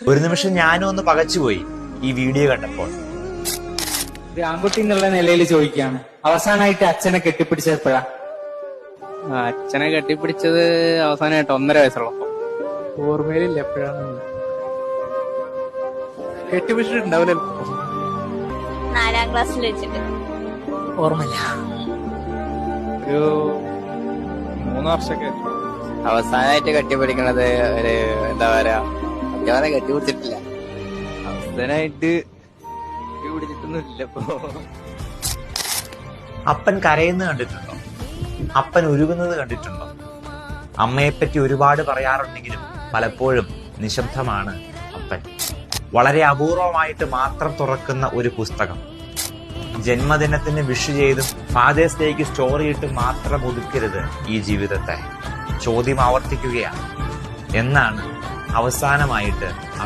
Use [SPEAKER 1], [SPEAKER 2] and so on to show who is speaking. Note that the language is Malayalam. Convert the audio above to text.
[SPEAKER 1] ഒരു നിമിഷം ഞാനും ഒന്ന് പകച്ചുപോയി ഈ വീഡിയോ കണ്ടപ്പോൾ.
[SPEAKER 2] ഒരു ആൺകുട്ടി എന്നുള്ള നിലയിൽ ചോദിക്കുകയാണ്, അവസാനമായിട്ട് അച്ഛനെ കെട്ടിപ്പിടിച്ചപ്പോഴാ?
[SPEAKER 3] അച്ഛനെ കെട്ടിപ്പിടിച്ചത് അവസാനമായിട്ട് 1.5 വയസ്സുള്ളപ്പോ.
[SPEAKER 4] ഓർമ്മയിലില്ല എപ്പോഴാണ് കെട്ടിപ്പിടിച്ചിട്ടുണ്ടാവില്ലല്ലോ.
[SPEAKER 5] 4ാം ക്ലാസ്സിൽ വെച്ചിട്ട്
[SPEAKER 4] ഓർമ്മയില്ല.
[SPEAKER 3] ഒരു 3 വർഷമൊക്കെ.
[SPEAKER 6] അവസാനമായിട്ട് കെട്ടിപ്പിടിക്കണത് ഒരു എന്താ പറയാ, അവരെ കെട്ടിപ്പിടിച്ചിട്ടില്ല.
[SPEAKER 3] അവസാനമായിട്ട് കെട്ടിപ്പിടിച്ചിട്ടൊന്നുമില്ല ഇപ്പൊ.
[SPEAKER 1] അപ്പൻ കരയുന്നത് കണ്ടിട്ടുണ്ടോ? അപ്പൻ ഉരുകുന്നത് കണ്ടിട്ടുണ്ടോ? അമ്മയെപ്പറ്റി ഒരുപാട് പറയാറുണ്ടെങ്കിലും പലപ്പോഴും നിശബ്ദമാണ് അപ്പൻ. വളരെ അപൂർവമായിട്ട് മാത്രം തുറക്കുന്ന ഒരു പുസ്തകം. ജന്മദിനത്തിന് വിഷ് ചെയ്തും ഫാദേഴ്സ് ഡേക്ക് സ്റ്റോറി ഇട്ട് മാത്രം ഒതുക്കരുത് ഈ ജീവിതത്തെ. ചോദ്യം ആവർത്തിക്കുകയാണ്, എന്നാണ് അവസാനമായിട്ട്